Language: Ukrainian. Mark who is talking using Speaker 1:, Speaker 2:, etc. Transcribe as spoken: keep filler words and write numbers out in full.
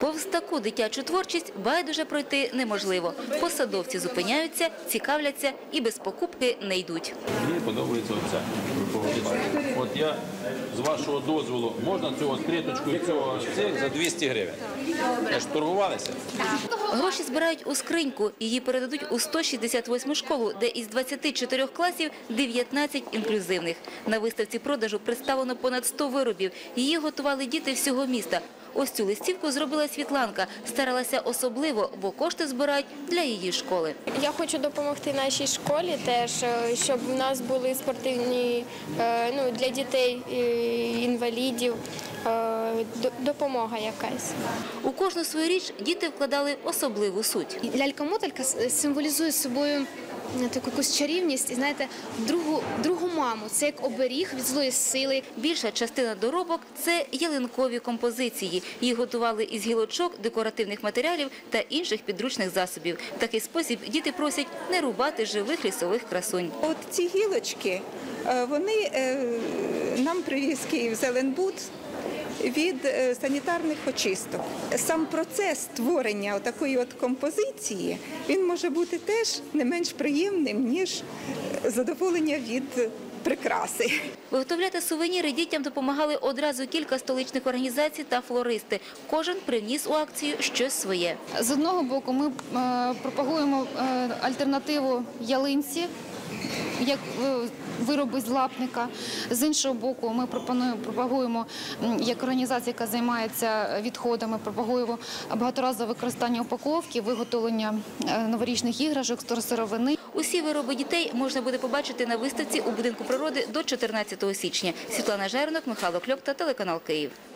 Speaker 1: Повз таку дитячу творчість байдуже пройти неможливо. Посадовці зупиняються, цікавляться і без покупки не йдуть.
Speaker 2: Мені подобається оце. От я, з вашого дозволу, можна цю клеточку і цього цих за двісті гривень? Ви ж торгувалися?
Speaker 1: Гроші збирають у скриньку. Її передадуть у сто шістдесят восьму школу, де із двадцяти чотирьох класів дев'ятнадцять інклюзивних. На виставці продажу представлено понад сто виробів. Її готували діти всього міста. Ось цю листівку зробила Світланка. Старалася особливо, бо кошти збирають для її школи.
Speaker 3: Я хочу допомогти нашій школі теж, щоб у нас були спортивні, ну, для дітей, інвалідів, допомога якась.
Speaker 1: У кожну свою річ діти вкладали особливу суть.
Speaker 4: Лялька-моталька символізує собою таку якусь чарівність і, знаєте, другу, другу маму. Це як оберіг від злої сили.
Speaker 1: Більша частина доробок – це ялинкові композиції. Їх готували із гілочок, декоративних матеріалів та інших підручних засобів. В такий спосіб діти просять не рубати живих лісових красунь.
Speaker 5: От ці гілочки, вони нам привіз Київ Зеленбуд від санітарних очисток. Сам процес створення такої от композиції, він може бути теж не менш приємним, ніж задоволення від прикраси.
Speaker 1: Виготовляти сувеніри дітям допомагали одразу кілька столичних організацій та флористи. Кожен приніс у акцію щось своє.
Speaker 6: З одного боку ми пропагуємо альтернативу ялинці, як вироби з лапника. З іншого боку, ми пропонуємо, пропагуємо, як організація, яка займається відходами, пропагуємо багаторазове використання упаковки, виготовлення новорічних іграшок, сировини.
Speaker 1: Усі вироби дітей можна буде побачити на виставці у Будинку природи до чотирнадцятого січня. Світлана Жернок, Михайло Кльопта, телеканал Київ.